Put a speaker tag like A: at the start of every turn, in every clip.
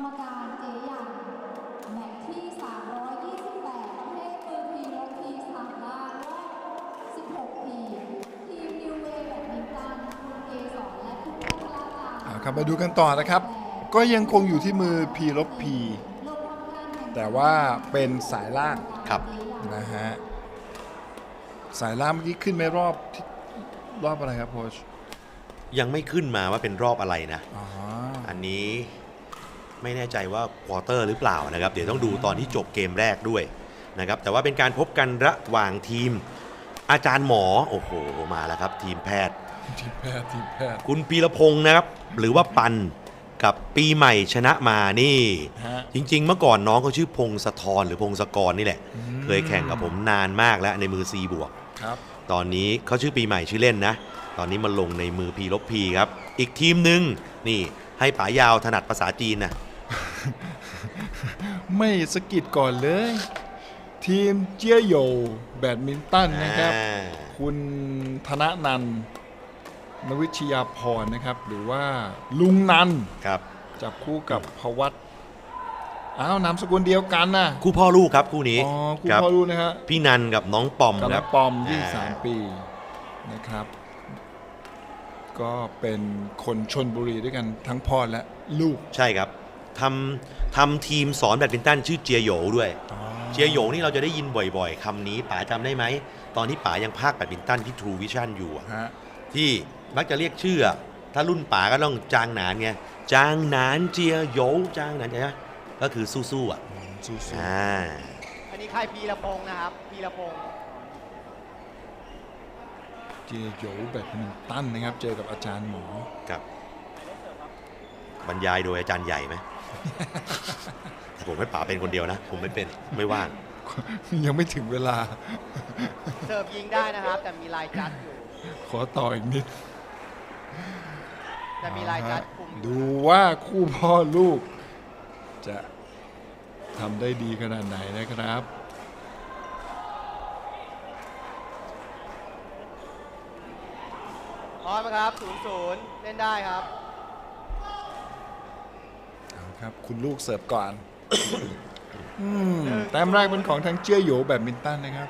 A: รมการเจยังแมตช์ที่328ประเภทมือทีและที3ด้านรอบ16ทีมทีมนิวเวย์แบดมินตันคุณเกศรและคุณพัทรการ
B: ครับมาดูกันต่อนะครับ ก็ยังคงอยู่ที่มือ P ลบ P แต่ว่าเป็นสายล่าง
C: ครับ
B: นะฮะสายล่างเมื่อกี้ขึ้นไม่รอบอะไรครับโค้ช
C: ยังไม่ขึ้นมาว่าเป็นรอบอะไรนะ
B: อ๋อ
C: อันนี้ไม่แน่ใจว่าควอเตอร์หรือเปล่านะครับ เดี๋ยวต้องดูตอนที่จบเกมแรกด้วยนะครับ แต่ว่าเป็นการพบกันระหว่างทีม อาจารย์หมอโอ้โหมาแล้วครับ ทีมแพทย์
B: ทีมแพทย์
C: คุณปีรพงศ์นะครับ หรือว่าปันกับปีใหม่ชนะมานี่
B: ฮะ
C: จริงๆ เมื่อก่อนน้องเขาชื่อพงศธรหรือพงศกรนี่แหละ
B: อืม
C: เคยแข่งกับผมนานมากแล้วในมือ C บวก
B: ครับ
C: ตอนนี้เขาชื่อปีใหม่ชื่อเล่นนะ ตอนนี้มาลงในมือ P ลบ P ครับ อีกทีมหนึ่งนี่ให้ป๋ายาวถนัดภาษาจีนนะ
B: ไม่สกิดก่อนเลย ทีมเจี้ยโยแบดมินตันนะครับ คุณธนนันท์นวิชยาพรนะครับ หรือว่าลุงนันท์
C: ครับ
B: จับคู่กับพวัตอ้าวนามสกุลเดียวกันนะ
C: คู่พ่อลูกครับคู่นี้
B: อ๋อคู่
C: ครับ
B: พ่อรู้นะฮะ
C: พี่นันกับน้องปอม
B: กับ
C: ค
B: น้
C: รั
B: อบ งปอม23 ปีนะครับ ก็เป็นคนชนบุรีด้วยกันทั้งพ่อและลูก
C: ใช่ครับทำทีมสอนแบดมินตันชื่อเจียโหยด้วย เจียโหยนี่เราจะได้ยินบ่อยๆคำนี้ป๋าจำได้ไหม ตอนที่ป๋ายังภาคแบดมินตันที่ True Vision อยู่อะ
B: ฮะ
C: ที่มักจะเรียกชื่ออะถ้ารุ่นป๋าก็ต้องจางหนานไงจางหนานเจียโหยจางหนานใช่ไหมก็คือสู้ๆอ่ะ
B: สู้
D: อันนี้ค่ายพีรพงศ์นะครับพีรพงศ์
B: ๆเจโยแบดมินตันนะครับ เจอกับอาจารย์หมอ
C: กับบรรยายโดยอาจารย์ใหญ่ไหม ผมให้ป๋าเป็นคนเดียวนะ ผมไม่เป็นไม่ว่าง
B: ยังไม่ถึงเวลา
D: เสิร์ฟยิงได้นะครับ แต่มีลายจัดอยู่
B: ขอต่ออีกนิด
D: แต่มีลายจัดคุมอยู่
B: ดูว่าคู่พ่อลูก จะทำได้ดีขนาดไหนนะครับ
D: พร้อมไหมครับ0-0 เล่นได้ครับ
B: เอาครับ คุณลูกเสิร์ฟก่อน แต้มแรกเป็นของทางเจี้ยโหยแบดมินตันนะครับ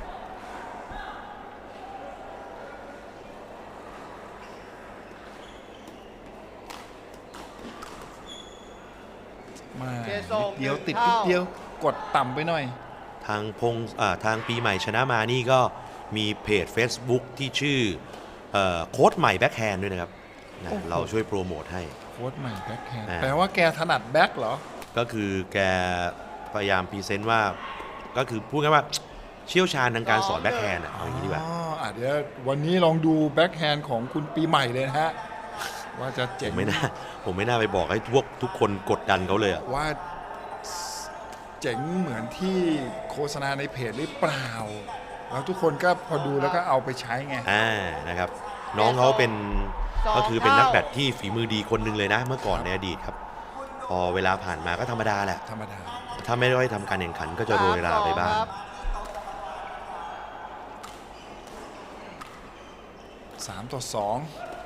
B: มา
D: เจส่ง
B: นิดเดียว
D: หนึ่ง
B: ติด
D: เท่า
B: นิดเดียวกดต่ำไปหน่อย
C: ทางปีใหม่ชนะมานี่ก็มีเพจ Facebook ที่ชื่อโค้ดใหม่แบ็คแฮนด์ด้วยนะครับนะ
B: โอ้โห
C: เราช่วยโปรโมทให้
B: โค้ดใหม่แบ็คแฮนด์
C: อ่า
B: แปลว่าแกถนัดแบ็คเหรอ
C: ก็คือแกพยายามพรีเซนต์ว่าก็คือพูดง่ายว่าเชี่ยวชาญทางการสอนแบ็คแฮนด์เอาอย่างนี้ดีกว่า
B: เดี๋ยววันนี้ลองดูแบ็คแฮนด์ของคุณปีใหม่เลยนะฮะ ว่าจะ
C: ผ
B: เจ๋ง
C: มไม่น่าไปบอกให้ทุกคนกดดันเขาเลยอะ
B: ว่าเจ๋งเหมือนที่โฆษณาในเพจหรือเปล่า แล้วทุกคนก็พอดูแล้วก็เอาไปใช้ไง
C: นะครับ น้องเขาเป็นก็คือเป็นนักแบดที่ฝีมือดีคนหนึ่งเลยนะ เมื่อก่อนในอดีตครับ พอเวลาผ่านมาก็ธรรมดาแหละ
B: ธรรมดา
C: ถ้าไม่ได้ทำการแข่งขันก็จะโรยราไปบ้าง
D: ครับ
B: 3-2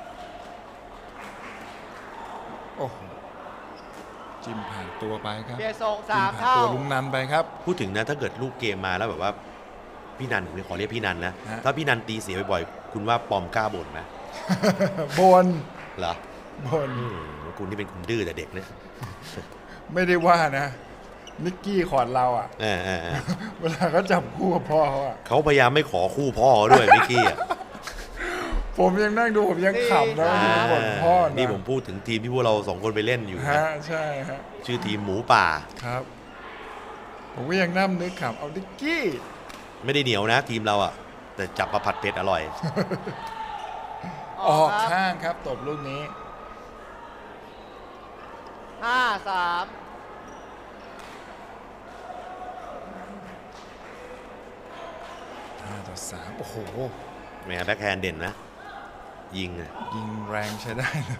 B: โอ้โหจิ้มผ่านตัวไปครับ
D: เบียร์ส่ง
B: จิ้ม
D: 3
B: ผ่าน
D: เท่า
B: ตัวลุงนันไปครับ
C: พูดถึงนะถ้าเกิดลูกเกมมาแล้วแบบว่าพี่นันผมขอเรียกพี่นันนะ
B: ฮะ
C: ถ้าพี่นันตีเสียบ่อยๆคุณว่าปอมกล้าบ่นไหม
B: บน
C: เหรอ
B: บน
C: คุณนี่เป็นคนดื้อแต่เด็กนะ
B: ไม่ได้ว่านะ นิกกี้ขอดเราอ่ะ
C: เออ
B: เวลาเขาจับคู่กับพ่อเขาอ่ะ
C: เขาพยายามไม่ขอคู่พ่อเขาด้วยมิกกี้อ่ะ
B: ผมยังนั่งดูผมยังขำนะที่ผมบ่นพ่อนะ
C: นี่ผมพูดถึงทีมที่พวกเราสองคนไปเล่นอยู่นะ
B: ฮะใช่ฮะ
C: ชื่อทีมหมูป่า
B: ครับ ผมก็ยังนั่งนึกขำเอานิกกี้
C: ไม่ได้เหนียวนะ ทีมเราอ่ะ แต่จับมาผัดเผ็ดอร่อย
B: ออก
D: ครับ
B: ข้างครับตบลูกนี้
D: 5-3
B: 5-3 โอ้โห
C: แหมแบ็คแฮนด์เด่นนะ ยิงอะ
B: ยิงแรงใช้ได้เลย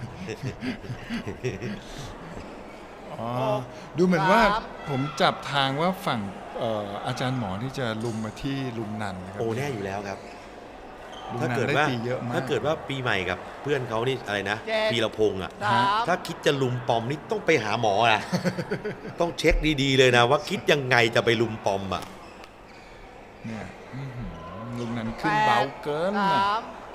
B: อ๋อ ดูเหมือนว่าผมจับทางว่าฝั่งอาจารย์หมอที่จะลุมมาที่ลุมนันนะครับ
C: โอ้แน่อยู่แล้วครับ
B: ลุง
C: ถ้า
B: นัน
C: เกิด
B: ได้
C: ว่า
B: ตีเยอะมาก
C: ถ้าเกิดว่าปีใหม่กับเพื่อนเขานี่อะไรนะ
D: เจ็ด
C: พีรพงษ์อ่ะ
D: 3
C: ถ้าคิดจะลุมปอมนี่ต้องไปหาหมอนะ ต้องเช็คดีๆเลยนะ ว่าคิดยังไงจะไปลุมปอมอ่ะ
B: เนี่ยลุงนันขึ้นเบาเกินน่ะ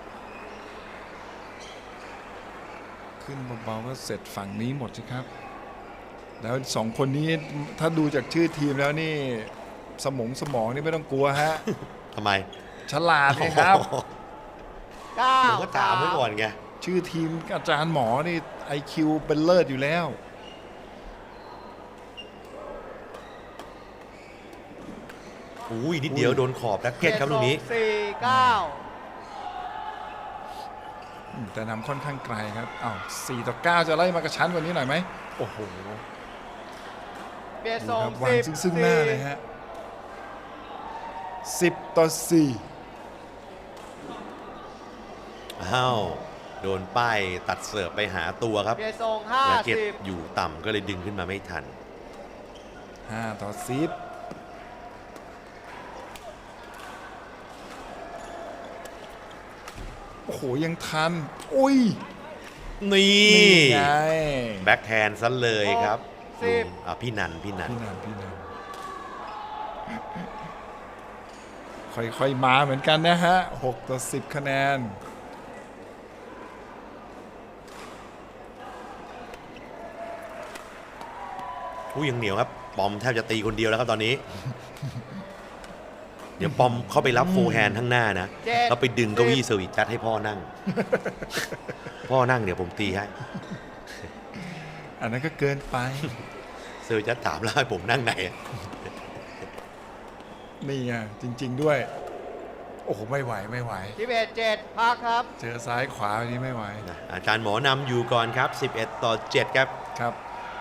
B: ขึ้นเบาๆก็เสร็จฝั่งนี้หมดสิครับ แล้วสองคนนี้ถ้าดูจากชื่อทีมแล้วนี่สมองนี่ไม่ต้องกลัวฮะ
C: ทำไม
B: ฉลาดเลยครับ
C: ผมก็ถามไว้ก่อนไง
B: ชื่อทีมอาจารย์หมอนี่ IQ เป็นเลิศอยู่แล้ว
C: อุ้ยนิดเดียวโดนขอบแร็คเก็ตครับลูกนี้
D: 4
B: แต่นำค่อนข้างไกลครับอ้าว4-9 จะไล่มากระชั้นกว่านี้หน่อยไหมโอ้โห
D: 9 เบียร์
B: ดู
D: ส่
B: ค
D: ง
B: รับวางซึ่งหน้าเลยฮะ10-4
C: อ้าว โดนป้ายตัดเสิร์ฟไปหาตัวครับ
D: เบียร์ส่ง
C: แร็คเก็ต
D: 50
C: อยู่ต่ำก็เลยดึงขึ้นมาไม่ทัน
B: 5-10โอ้โหยังทันอุ้ย
C: นี่
B: นี่ไง
C: แบ็คแฮนด์ซะเลยครับ
D: 10
C: พี่นัน
B: พี่นันค่อยๆมาเหมือนกันนะฮะ6-10 คะแนน
C: ผู้ยังเหนียวครับ ปอมแทบจะตีคนเดียวแล้วครับตอนนี้ เดี๋ยวปอมเข้าไปรับโฟร์แฮนด์ข้างหน้านะ
D: 7
C: แล้วไปดึงเก้าอี้เซอร์วิสจัดให้พ่อนั่ง พ่อนั่งเดี๋ยวผมตีให้
B: อันนั้นก็เกินไป
C: เซอร์วิสจัดถามแล้วให้ผมนั่งไหน
B: นี่ไงจริง ๆด้วย โอ้โห ไม่ไหว
D: 11 7 พักครับ
B: เจอซ้ายขวาแบบนี้ไม่ไหว
C: อาจารย์หมอนำอยู่ก่อนครับ 11-7 ครับ
B: ครับ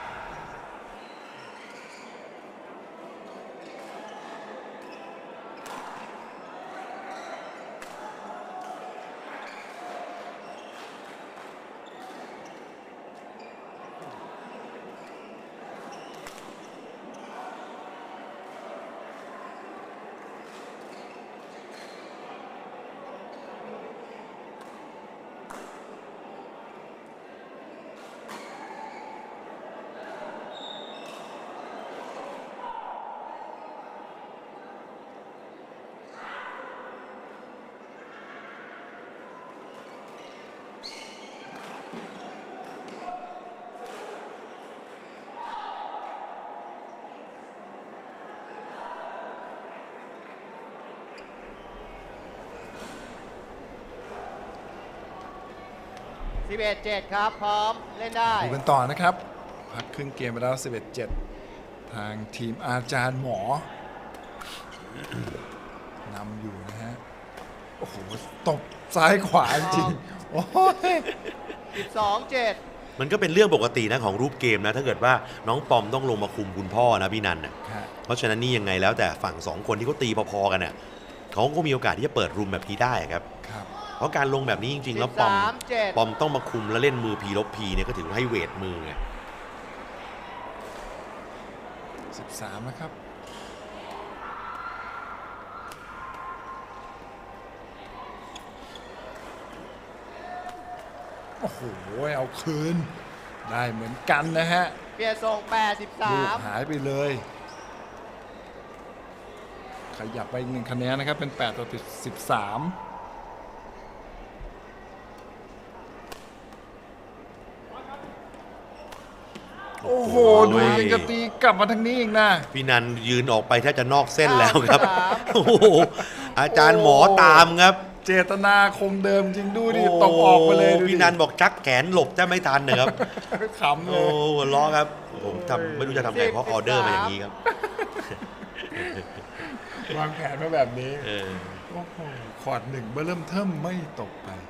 D: 11 7 ครับ พร้อม เล่นได้
B: ดูกันต่อนะครับ พักครึ่งเกมไปแล้ว 11-7 ทางทีมอาจารย์หมอนำอยู่นะฮะ โอ้โห ตบซ้ายขวาจริงๆโอ้ย
D: 12 7
C: มันก็เป็นเรื่องปกตินะของรูปเกมนะ ถ้าเกิดว่าน้องปอมต้องลงมาคุมคุณพ่อนะพี่นันน่ะ
B: ฮะ
C: เพราะฉะนั้นนี่ยังไงแล้วแต่ฝั่งสองคนที่เขาตีพอๆกันน่ะเขาก็มีโอกาสที่จะเปิดรูมแบบนี้ได้ครับ
B: ครับ
C: เพราะการลงแบบนี้จริงๆ แล้วปอม
D: 13 7
C: ปอมต้องมาคุมแล้วเล่นมือพีลบพีเนี่ยก็ถือว่าให้เวทมือไง
B: 13นะครับ โอ้โห เอาคืน ได้เหมือนกันนะฮะ
D: เบียร์ส่ง
B: ลูก
D: 83
B: หายไปเลย ขยับไปอีก1 คะแนนนะครับ เป็น8-13 โอ้โห ดูยังจะตีกลับมาทางนี้อีกนะ
C: พี่นันยืนออกไปแทบจะนอกเส้นแล้วครับ โอ้โหอาจารย์หมอตามครับ
B: เจตนาคงเดิมจริงดูดิตกออกไปเลยดูดิ
C: พี่นันบอกชักแขนหลบจะไม่ทันนะครับ
B: ขำเล
C: โอ้
B: ย
C: หัวล้อครับ ผมทำไม่รู้จะทำไงเพราะออเดอร์มาอย่างนี้ครับ
B: วางแผนมาแบบนี้
C: เออ
B: โอ้โหขอด1เบอร์เริ่มเทิมไม่ตกไป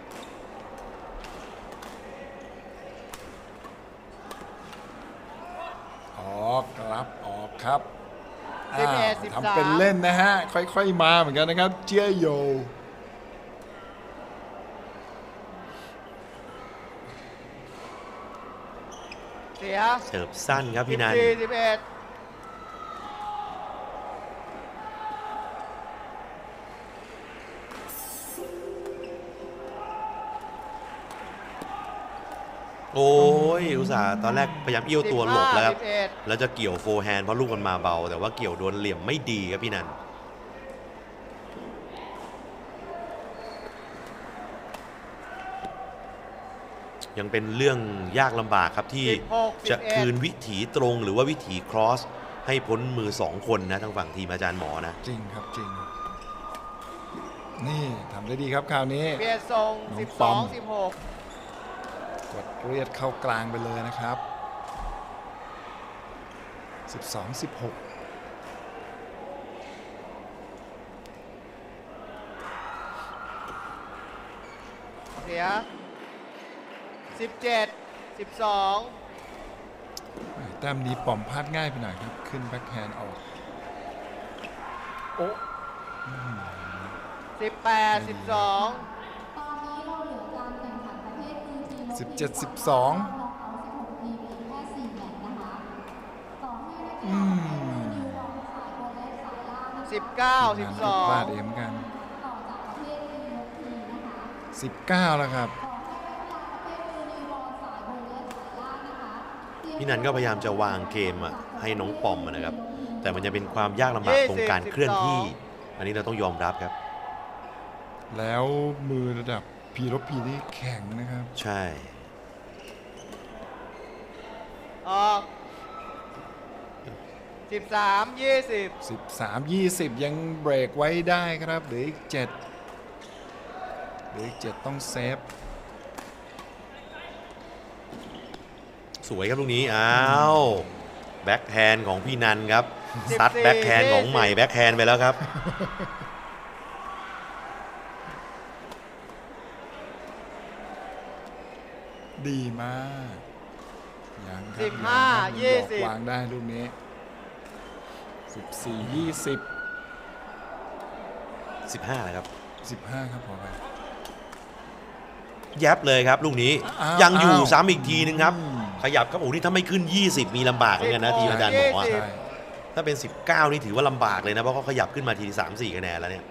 B: ออกครับออกครับ
D: 11
B: ทำเป็นเล่นนะฮะ ค่อยๆมาเหมือนกันนะครับ เจียโย
D: เสีย
C: เสิร์ฟสั้นครับพี่นัน
D: 14 11
C: โอ้ยอุตส่าห์ตอนแรกพยายามเอี้ยวตัวหลบแล้วครับ
D: 11
C: แล้วจะเกี่ยวโฟร์แฮนด์เพราะลูกมันมาเบา แต่ว่าเกี่ยวโดนเหลี่ยมไม่ดีครับพี่นันยังเป็นเรื่องยากลำบากครับที่
D: 16
C: จะคืนวิถีตรงหรือว่าวิถีครอสให้พ้นมือ 2 คนนะทางฝั่งทีมอาจารย์หมอนะ
B: จริงครับจริง นี่ทำได้ดีครับคราวนี้
D: เปลี่ยนทรง
B: น้องปอม
D: 12 16
B: กดเรียดเข้ากลางไปเลยนะครับ 12-16
D: เสีย 17 12
B: แต้มนี้ปอมพลาดง่ายไปหน่อยครับ ขึ้นแบ็คแฮนด์ออก โอ้
D: 18 12
A: ตอนนี้เราเหลือการแข่งขันประเภทมือทีม
B: 17-12
A: เอา16 ทีมอีกแค่ 4 แมตช์นะคะต่อให้นักกีฬาประเภทมือนิวบอลสายบอลและสายล่างนะคะ
D: 19
B: งานก็พลาดเอ
D: 12
B: มกัน
A: ต่อจากประเภททีมยกทีมนะคะ
B: 19 แล้วครับ
A: ต่อให้นักกีฬาประเภทมือนิวบอลสายบอลและสายล่างนะคะ
C: พี่นันก็พยายามจะวางเกมให้น้องปอมนะครับ แต่มันจะเป็นความยากลำบากตรงการเคลื่อนที่ อันนี้เราต้องยอมรับครับ
B: แล้วมือระดับพีรบพีนี่แข็งนะครับ
C: ใช่
D: ออก13 20
B: 13-20 ยังเบรกไว้ได้ครับเหลืออีก 7ต้องเซฟ
C: สวยครับลูกนี้ อ้าวแบ็คแฮนด์ของพี่นันครับ ซัดแบ็คแฮนด์ของใหม่แบ็คแฮนด์ไปแล้วครับ
B: ดีมากยังครับ
D: 15
B: ยังครับ
D: 20
B: วางได้ลูกนี้ 14-20
C: 15นะครับ
B: 15 ครับพอไป
C: ยับเลยครับลูกนี้
B: อ้าว
C: ยังอยู่
B: อ้าว
C: ซ้ำอีกทีนึงครับ
B: อืม
C: ขยับครับโอ้นี่ถ้าไม่ขึ้น 20 มีลำบากเหมือนกันนะทีมอาจารย์หมออะ
D: 20
B: ใช่
C: ถ้าเป็น 19 นี่ถือว่าลำบากเลยนะ เพราะเขาขยับขึ้นมาที3-4 คะแนนแล้วเนี่ย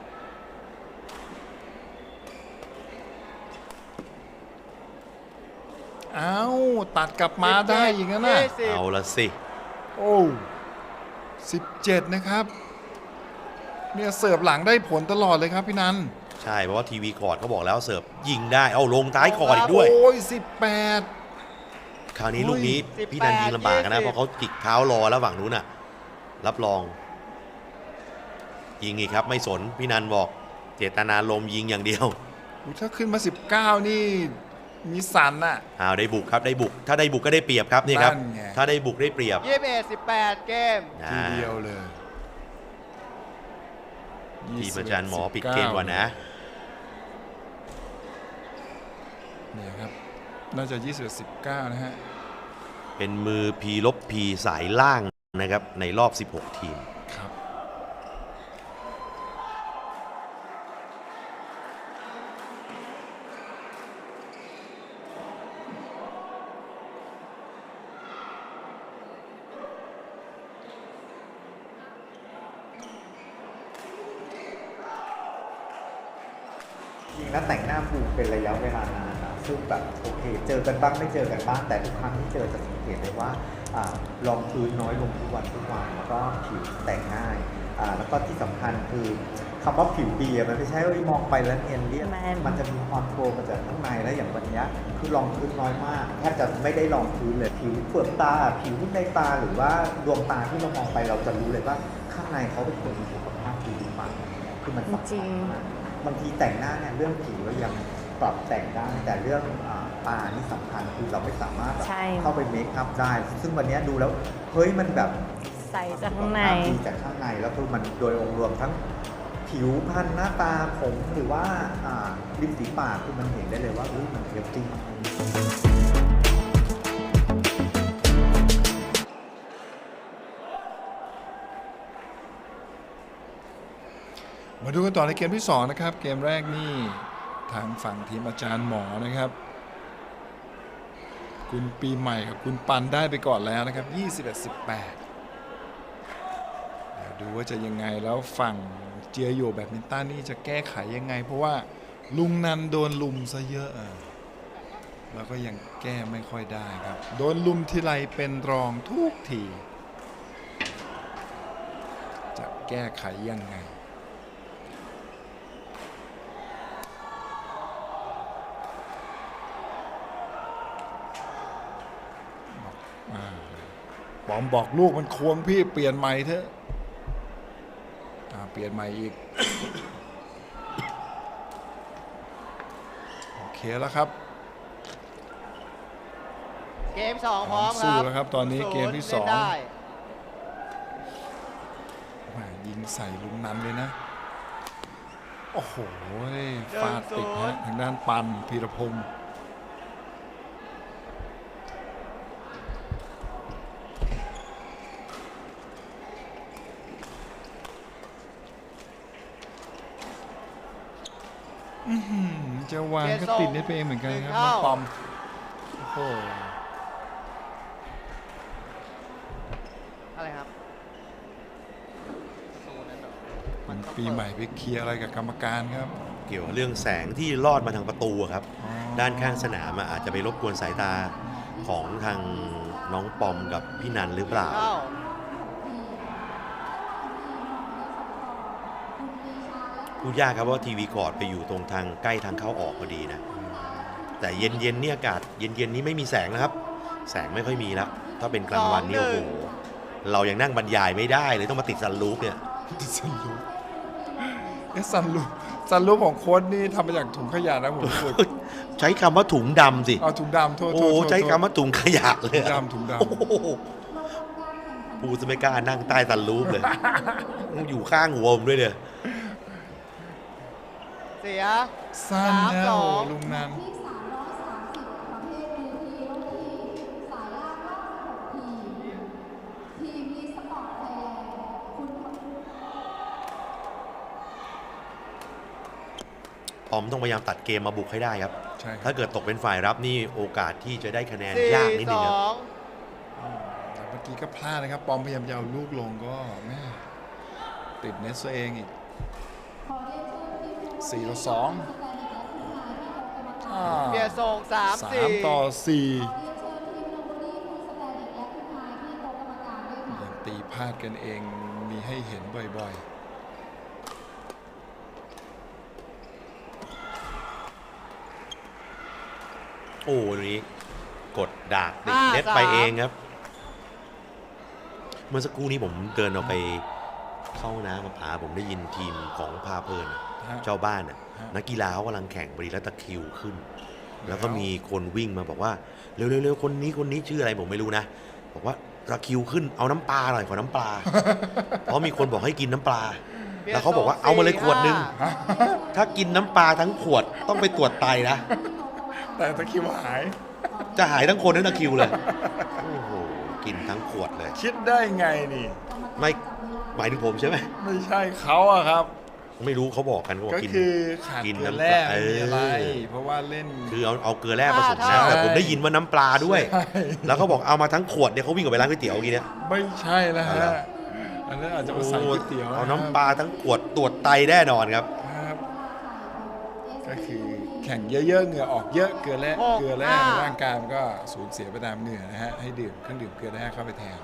B: เอ้าตัดกลับมาได้อย่างนั้นนะ
D: 20
C: เอาละสิ
B: โอ้17 นะครับ เนี่ยเสิร์ฟหลังได้ผลตลอดเลยครับพี่นัน
C: ใช่ เพราะว่าทีวีคอร์ดเขาบอกแล้วเสิร์ฟยิงได้ เอาลงท้ายคอร์ดอีกด้วย
B: โอ้ย18
C: คราวนี้ลูกนี้
D: 18
C: พี่นันยิงลำบากนะ
D: 20
C: เพราะเขาจิกเท้ารอแล้วฝั่งนู้นน่ะ รับรอง ยิงอีกครับไม่สน พี่นันบอกเจตนาลมณ์ยิงอย่างเดียว
B: อุ๊ยถ้าขึ้นมา 19 นี่มีสันน่ะ
C: อ้าวได้บุกครับได้บุก ถ้าได้บุกก็ได้เปรียบครับนี่ครับ
B: นั่นไง
C: ถ้าได้บุกได้เปรียบ
D: 21 18 เกม
B: ทีเดียวเลย
C: ทีมอาจารย์หมอปิดเกมก่อนนะ
B: เนี่ยครับ น่าจะ 21-19 นะฮะ
C: เป็นมือพีลบพีสายล่างนะครับในรอบ 16 ทีม
B: ครับ
E: จริงแล้วแต่งหน้าฟูเป็นระยะเวลานานนะซึ่งแบบโอเค เจอกันบ้างไม่เจอกันบ้างแต่ทุกครั้งที่เจอจะสังเกตได้ว่าลองพื้นน้อยลงทุกวันแล้วก็ผิวแต่งง่ายแล้วก็ที่สำคัญคือคำว่าผิวดีมันไม่ใช่ว่ามองไปแล้วเนียนเรียบมันจะมีความโฟล์มาจากข้างในแล้วอย่างวันนี้คือรองพื้นน้อยมากแทบจะไม่ได้รองพื้นเลยผิวเปลือกตาผิวในตาหรือว่าดวงตาที่เรามองไปเราจะรู้เลยว่าข้างในเขาเป็นคนมีสุขภาพดีมากคือมันสำคัญมากบางทีแต่งหน้าเนี่ยเรื่องผิวเรายังปรับแต่งได้แต่เรื่องตานี่สำคัญคือเราไม่สามารถแบบ
F: ใช่
E: เข้าไปเมคอัพได้ ซึ่งวันนี้ดูแล้วเฮ้ยมันแบบ
F: ใส่จากข้างใน
E: ดีจากข้างในแล้วคือมันโดยองค์รวมทั้งผิวพรรณหน้าตาผมหรือว่าริมฝีปากคือมันเห็นได้เลยว่ามันเฮลตี้มาก
B: มาดูกันต่อในเกมที่ 2 นะครับ เกมแรกนี่ทางฝั่งทีมอาจารย์หมอนะครับ คุณปีใหม่กับคุณปันได้ไปก่อนแล้วนะครับ 21-18 เดี๋ยวดูว่าจะยังไงแล้วฝั่งเจียโยแบดมินตันนี่จะแก้ไขยังไง เพราะว่าลุงนันโดนลุมซะเยอะแล้วก็ยังแก้ไม่ค่อยได้ครับ โดนลุมทีไรเป็นรองทุกที จะแก้ไขยังไง บอมบอกลูกมันควงพี่เปลี่ยนใหม่เถอะเปลี่ยนใหม่อีก โอเคแล้วครับ
D: เกม 2 พร้อมค
B: สู้
D: รับ
B: แล้วครับตอนนี้เกมที่
D: ล่นได้
B: ยิงใส่ลุงนันเลยนะ โอ้โหฟาดติดฮะทางด้านปันพีรพงศ์จะวางก็ติดเน็ตไปเองเหมือนกันครับน้องปอมโอ้โห
D: อะไรครับประตูนั้นเหรอมันต้อง
B: ปีใหม่ไปเคลียร์อะไรกับกรรมการครับ
C: เกี่ยวกับเรื่องแสงที่ลอดมาทางประตูอะครับ
B: อ๋อ
C: ด้านข้างสนามอาจจะไปรบกวนสายตาของทางน้องปอมกับพี่นันหรือเปล่า
D: เข้า
C: พูดยากครับว่าทีวีคอร์ดไปอยู่ตรงทางใกล้ทางเข้าออกพอดีนะ แต่เย็นๆนี่อากาศเย็นๆนี้ไม่มีแสงนะครับ แสงไม่ค่อยมีแล้ว ถ้าเป็นกลางวันนี่โอ้โหเรายังนั่งบรรยายไม่ได้เลยต้องมาติดซันรูฟเนี่ย
B: ซันรูฟซันรูฟของโค้ดนี่ทำมาจากถุงขยะนะผมพูด
C: ใช้คำว่าถุงดำสิ
B: เอาถุงดำโทษ
C: โอ้
B: โทษโทษ
C: ใช้คำว่าถุงขยะเลย
B: ถุง
C: อะ
B: ดำถุงด
C: โอ้โหปูจะไม่กล้านั่งใต้ซันรูฟเลย อยู่ข้างหัวผมด้วยเนี่ย
D: เสีย
B: ำสั้นนะโอ้โหลุงนัน
A: ที่ 330 ประเภทมือทีลงทีสายล่างรอบ16ทีทีมมีสปอร์ตไทยแลนด์คุณพงษ์
C: ปอมต้องพยายามตัดเกมมาบุกให้ได้ครับ
B: ใช่ครั
C: ถ้า
B: บ
C: เกิดตกเป็นฝ่ายรับนี่โอกาสที่จะได้คะแนน
D: 4
C: ยากนิดนึงครับ
B: แต่เมื่อกี้ก็พลาดนะครับ ปอมพยายามจะเอาลูกลงก็แม่ติดเน็ตตัวเองอีก
A: ขอเรียนเชิญทีม
B: 4-2
A: สแตนดิกและคุณนายที่โต๊ะกรรมการ
B: อ่า
D: เบียร์ส่ง
B: 3-4
A: ขอเรียนเชิญทีมโนบุรีคุณสแตนดิกและคุณนายที่โต๊ะกรรมการด้วยค่ะ
B: ยังตีพลาดกันเองมีให้เห็นบ่อย
C: โอ้ตรงนี้กดดากติด
D: 5-3
C: เน็ตไปเองครับ เมื่อสักครู่นี้ผมเดินออกไปเข้าห้องน้ำกับอาผมได้ยินทีมของพาเพลิน
B: ๆฮะ
C: เจ้าบ้าน
B: ฮะ
C: นักกีฬาเขากำลังแข่งบริแล้วตะคริวขึ้น แล้วก็มีคนวิ่งมาบอกว่าเร็วๆๆคนนี้ชื่ออะไรผมไม่รู้นะ บอกว่าตะคริวขึ้นเอาน้ำปลาหน่อยขอน้ำปลา เพราะมีคนบอกให้กินน้ำปลา แล้วเขาบอกว่าเอามาเลยขวดนึง ถ้ากินน้ำปลาทั้งขวดต้องไปตรวจไตนะ
B: แต่ตะคริวหาย
C: จะหายทั้งคนทั้งตะคริวเลย โอ้โห กินทั้งขวดเลย
B: คิดได้ไงนี่
C: ไม่หมายถึงผมใช่ไหม
B: ไม่ใช่เขาอะครับ
C: ไม่รู้เขาบอกกันเขาบอก
B: ก็
C: กิน
B: คือขาด
C: กิน
B: เกลือ
C: น้ำ
B: แร่
C: ปลา
B: ไม่มีอะไร
C: เออ
B: เพราะว่าเล่น
C: คือเอาเกลือแร่ผสม
D: ใช่
C: น้ำแต่ผมได้ยินว่าน้ำปลาด้วย
B: ใช่
C: แล้วเขาบอกเอามาทั้งขวดเนี่ยเขาวิ่งออกไปร้านก๋วยเตี๋ยวเมื่อกี้เนี่ย
B: ไม่ใช่แล้ว
C: เอาเหร
B: ฮะ
C: อ
B: อันนั้นอาจจะมาใส่ก๋วยเตี๋ยว
C: เอาน้ำปลาทั้งขวดตรวจไตแน่นอนครับ
B: ครับ ก็คือแข่งเยอะๆเหงื่อออกเยอะเกลือแร่
D: 6-5
B: เกลือแร่ในร่างกายมันก็สูญเสียไปตามเหงื่อนะฮะให้ดื่มเครื่องดื่มเกลือแร่เข้าไปแทน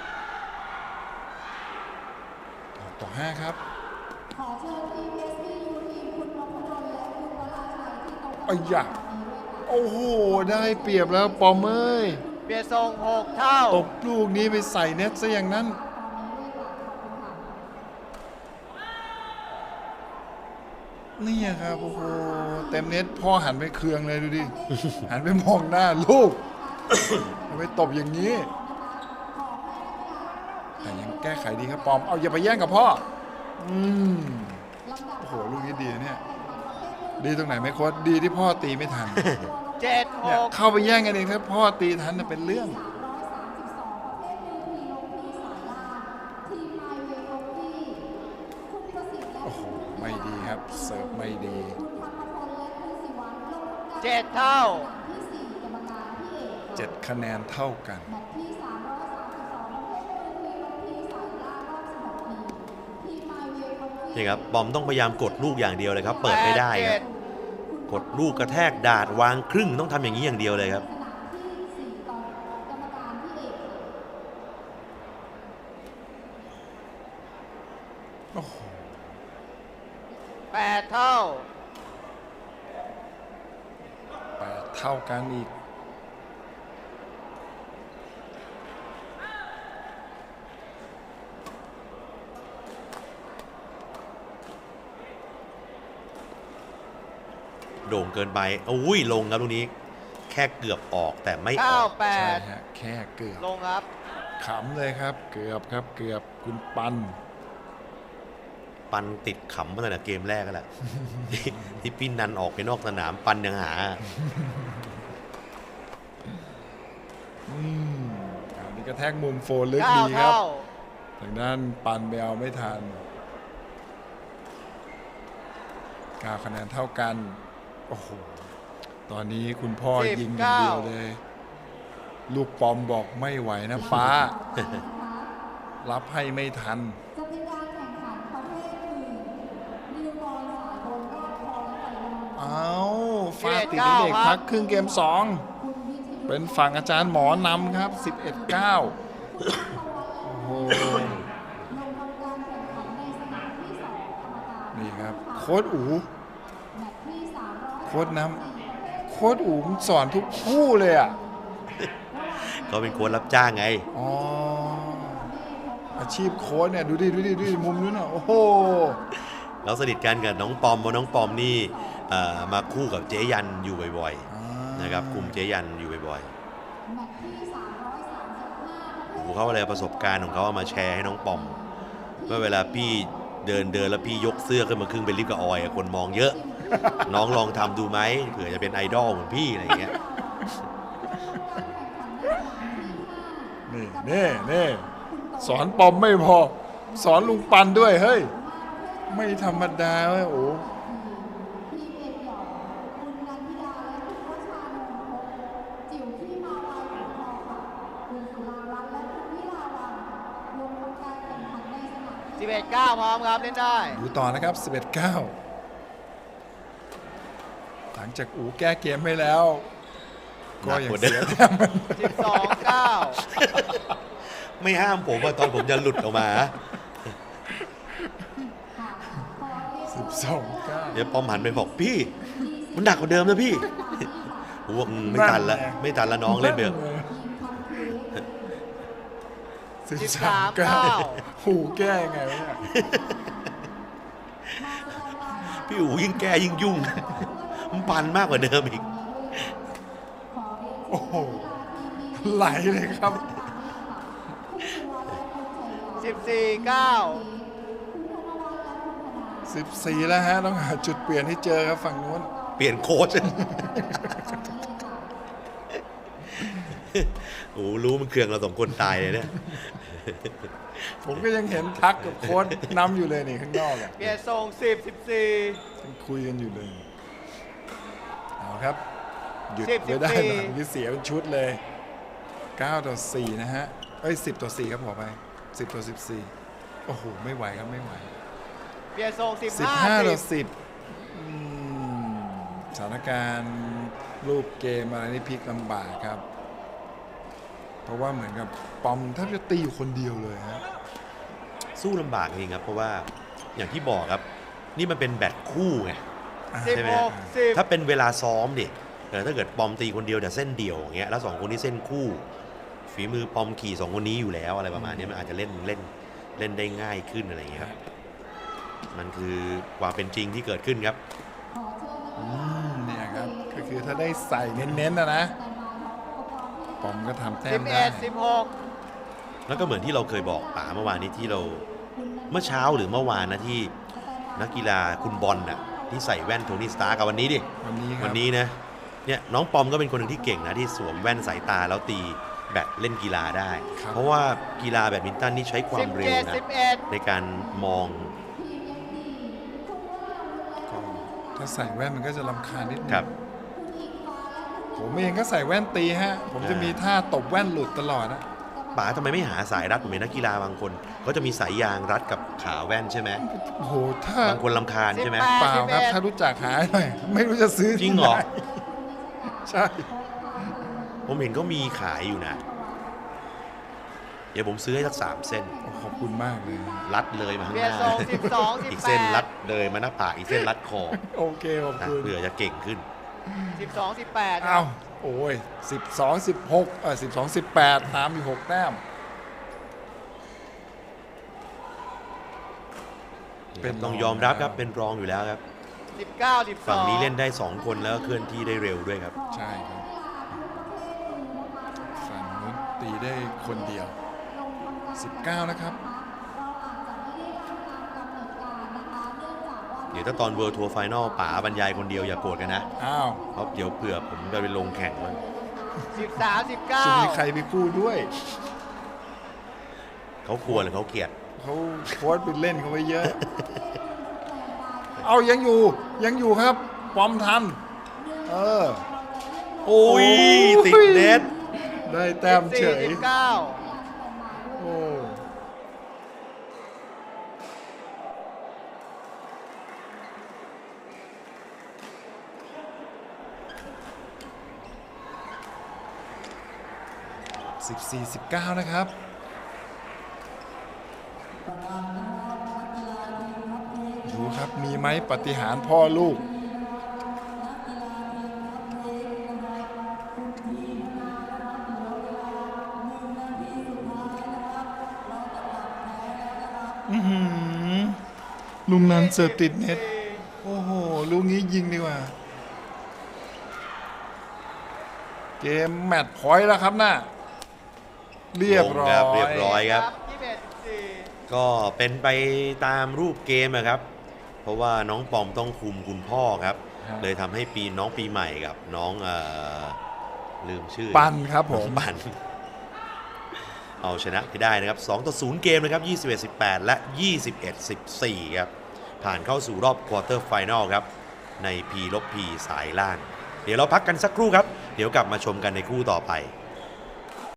B: ต่อ5ครับ
A: ขอเชิญทีม SPU ทีมคุณนพดลและคุณวราชัยที่โต๊ะกรรม
B: อ้
A: การ
B: ยะ
A: นี้ด้วยค่ะ
B: โอ้โหได้เปรียบแล้วปอมเอ้ย
D: เบียร์ส่ง 6 เท่า
B: ตบลูกนี้ไปใส่เน็ตซะอย่างนั้น
A: ตอนนี้ด้วยค่ะขอบคุณค่ะ
B: นี่ครับโอ้โหเต็มเน็ตพ่อหันไปเคืองเลยดูดิ หันไปมองหน้าลูก ทำไมตบอย่างนี้ แต่ยังแก้ไขดีครับปอม เอาอย่าไปแย่งกับพ่อ อืมโอ้โหลูกนี้ดีนะเนี่ย ดีตรงไหนไหมโค้ชดีที่พ่อตีไม่ทัน เนี่ย
D: 7-6
B: เข้าไปแย่งกันเองถ้าพ่อตีทันน่ะเป็นเรื่อง
A: 332 ประเภทมือทีลงทีสายล่างทีมไมเวลงทีคุณประสิทธิ์และ
B: โอ้โห
A: คุณ
B: ไม่ดีครับ เสิร์ฟไม่ดี
A: คุณธรรมพลและคุณศิวัลลงทำการ
D: 7 เท่า
A: ที่ 4 กรรมการที่เอก
B: 7 คะแนนเท่ากัน
A: แมตช์ที่ 332 ประเภทมือทีลงทีสายล่างรอบ16ทีทีมไมเวลงที
C: นี่ครับบอมต้องพยายามกดลูกอย่างเดียวเลยครับ เปิดไม่ได้ครับ
D: 8-7
C: กดลูกกระแทกดาดวางครึ่งต้องทำอย่างนี้อย่างเดียวเลยครับ
A: สนามที่4ต่อกรรมการที่เอกค่ะ
B: โอ้โห
D: 8 เท่า
B: 8 เท่ากันอีก
C: โด่งเกินไปอุ้ยลงครับลูกนี้แค่เกือบออกแต่ไม่ออก
B: ใช่
D: 9
B: ฮะแค่เกือบ
D: 8 ลงครับ
B: ขำเลยครับ เกือบครับเกือบคุณปัน
C: ปันติดขำมาตั้งแต่เกมแรกแล้วแหละ ที่ปิ้นนันออกไปนอกสนามปันยังหา
B: อันนี้กระแทกมุมโฟนลึกดี
D: 9
B: ครับ
D: เท่า
B: ทางด้านปันไปเอาไม่ทัน9 คะแนนเท่ากัน โอ้โห ตอนนี้คุณพ่อยิงอย่างเดียวเลย ลูกปอมบอกไม่ไหวนะป้า รับให้ไม่ทัน
A: จะเป็นการแข่งขันประเภทอื่นนิวบอลสากลรอบคอและไฟนอล
B: เอาฟาดติดเด็กพักครึ่งเกม
A: คุณวิทยุ
B: 2 เป็นฝั่งอาจารย์หมอนำครับ 11-9 โอ้โห
A: ลงทำการแข่งขันในสนามที่2กรรมการ
B: นี่ครับ โค้ดอู
A: แมตช์ที่300
B: โค้ดน้ำโค้ดอูมันสอนทุกคู่เลยอ่ะ
C: ก็เป็นโค้ชรับจ้างไง
B: อ๋อ อาชีพโค้ดเนี่ย ดูดิมุมนู้นอ่ะ โอ้โห
C: เราสนิทกันกับน้องปอมเพราะน้องปอมนี่มาคู่กับเจยันอยู่บ่อยๆนะครับคุมเจยันอยู่บ่อย
A: แมตช์ที่335
C: ๆโอ้โหเขาอะไรประสบการณ์ของเขาเอามาแชร์ให้น้องปอมเมื่อเวลาพี่เดินแล้วพี่ยกเสื้อขึ้นมาครึ่งเป็นลิฟต์กับออยคนมองเยอะ น้องลองทำดูไหมเผื่อจะเป็นไอดอลเหมือนพี่อะไรอย่างเงี้ย
B: นี่สอนปอมไม่พอ สอนลุงปันด้วย เฮ้ย ไม่ธรรมดาเว้ยโอ้
A: ทีมเอกหยองคุณนันทิดาและคุณวชานนท์พบจิ๋วที่มาลายของคอค่ะคุณสุรารัตน์และคุณวิลาวันลงทำการแข่งขันในสนามที่
D: 11 9 พร้อมครับ เล่นได้
B: ดูต่อนะครับ 11-9 หลังจากอูแก้เกมให้แล้ว ก็ยังเสียแต้ม
D: 12 9
C: ไม่ห้ามผมว่าตอนผมจะหลุดออกมา
B: 12-9
C: เดี๋ยวปอมหันไปบอกพี่ มันหนักกว่าเดิมนะพี่ ผมบอกไม่ทันละไม่ทันละน้องเล่นไปเถอะ
B: 13-9 หูแก้ยังไงวะเนี่ย
C: พี่อู๋ยิ่งแก้ยิ่งยุ่ง มันปันมากกว่าเดิมอีก
B: โอ้โห ไหลเลยครับ
D: 14 9
B: 14 แล้วฮะ ต้องหาจุดเปลี่ยนให้เจอครับฝั่งนู้น
C: เปลี่ยนโค้ช โอ้โหรู้มันเครื่องเราสองคนตายเลยเนี่ย
B: ผมก็ยังเห็นทักกับโค้ดนำอยู่เลยนี่ข้างนอกอ่ะ
D: เปลี่ยนทรง10 14
B: ยังคุยกันอยู่เลย เอาครับ หยุด
D: 10
B: ไม่ได้
D: 14
B: หลังที่เสียเป็นชุดเลย9-4 นะฮะ เอ้ย10-4 ครับขอไป10-14 โอ้โห ไม่ไหวครับ ไม่ไหว
D: เปลี่ยนทรง
B: 15-10
D: 15
B: สถานการณ์รูปเกมอะไรนี่พลิกลำบากครับ เพราะว่าเหมือนกับปอมแทบจะตีอยู่คนเดียวเลยฮะ
C: สู้ลำบากจริงครับ เพราะว่าอย่างที่บอกครับ นี่มันเป็นแบตคู่ไง
D: 10
C: ใช่ไหม
D: 16 10
C: ถ้าเป็นเวลาซ้อมดิถ้าเกิดปอมตีคนเดียวแต่เส้นเดียวอย่างเงี้ยแล้วสองคนนี้เส้นคู่ ฝีมือปอมขี่สองคนนี้อยู่แล้วอะไรประมาณนี้มันอาจจะเล่นได้ง่ายขึ้นอะไรอย่างเงี้ยครับมันคือความเป็นจริงที่เกิดขึ้นครับ
B: เนี่ยครับ ก็คือถ้าได้ใส่เน้นๆนะปอมก็ทำแต้มได้
D: 11 16
C: แล้วก็เหมือนที่เราเคยบอกป๋าเมื่อวานนี้ที่เราเมื่อเช้าหรือเมื่อวานนะที่นักกีฬาคุณบอลน่ะที่ใส่แว่นโทนี่สตาร์กับวันนี้ดิ
B: วันนี้ครับ
C: วันนี้นะเนี่ยน้องปอมก็เป็นคนหนึ่งที่เก่งนะที่สวมแว่นสายตาแล้วตีแบดเล่นกีฬาได้ เพราะว่ากีฬาแบดมินตันนี่ใช้ความเร็วนะ
D: 11
C: ในการมอง
B: ก็ถ้าใส่แว่นมันก็จะรำคาญนิดนึ
C: ครั
B: ง
C: บ
B: ผมเองก็ใส่แว่นตีฮะ ผมจะมีท่าตบแว่นหลุดตลอดนะ
C: ป๋าทำไมไม่หาสายรัดผมเห็นนักกีฬาบางคนก็จะมีสายยางรัดกับขาแว่นใช่ไหม
B: โอ้โหถ้า
C: บางคนลำคาญใช่ไหม
D: 18
B: เปล่าครับ ถ้ารู้จักหาหน่อยไม่รู้จะซื้อ
C: จริงเหรอ
B: ที่ไนใช่
C: ผมเห็นก็มีขายอยู่นะ เดี๋ยวผมซื้อให้สัก3 เส้น
B: โอ้ขอบคุณมากเลย
C: รัดเลยมาข้าง
D: เบี
C: ห
D: ยร์
C: น้า
D: ทรง12
C: อีกเส้นรัด
D: 18
C: เลยมาหน้าผากอีกเส้นรัดคอ
B: โอเคขอบ
C: นะ
B: คุณ
C: เผื่อจะเก่งขึ้น
D: 12 18
B: อ้าวโอ้ย12 1612 18ตามอยู่6แต้ม เป็นรอง
C: ต้องยอมรับครับเป็นรองอยู่แล้วครับ
D: 19 12
C: ฝั่งนี้เล่นได้ 2 คนแล้วก็เคลื่อนที่ได้เร็วด้วยครับ
B: ใช่ครับ ฝั่งนู้นตีได้คนเดียว 19 นะครับ
C: เดี๋ยวถ้าตอนเวิ r ร์ทัวร์ไฟนอลป๋าบรรยายคนเดียวอย่าโกรธกันนะ
B: อ้าว
C: เพราะเดี๋ยวเผื่อผมจะไปลงแข่งมัน
D: 13
B: จะมีใคร
D: 19
B: ไปคู่ด้วย
C: เขากลัวหรือเขาเกลียด
B: เขาโค้ชไปเล่นเขาไว้เยอะ เอายังอยู่ครับปอมทัน เออ
C: โอ้ยติดเน็ต
B: ได้แต้มเฉย
D: 19
B: โอ้14-19 นะครับ ดูครับ มีไหมปาฏิหาริย์พ่อลูก ลุงนันเสิร์ฟติดเน็ต โอ้โห ลูกนี้ยิงดีกว่า เกมแมตช์พอยต์แล้วครับน่ะเรียบร้อ
C: ลงครับ
B: ย
C: เรียบร้อยครับ
D: 21
C: ก็เป็นไปตามรูปเกมนะครับ เพราะว่าน้องปอมต้องคุมคุณพ่อครับ
B: ครับ
C: เลยทำให้น้องปีใหม่กับน้องลืมชื่อ
B: ปันครับผม
C: น้องปัน เอาชนะไปได้นะครับ2-0 เกมนะครับ21-18 และ 21-14 ครับ ผ่านเข้าสู่รอบควอเตอร์ไฟนอลครับ ใน P-P สายล่าง เดี๋ยวเราพักกันสักครู่ครับ เดี๋ยวกลับมาชมกันในคู่ต่อไป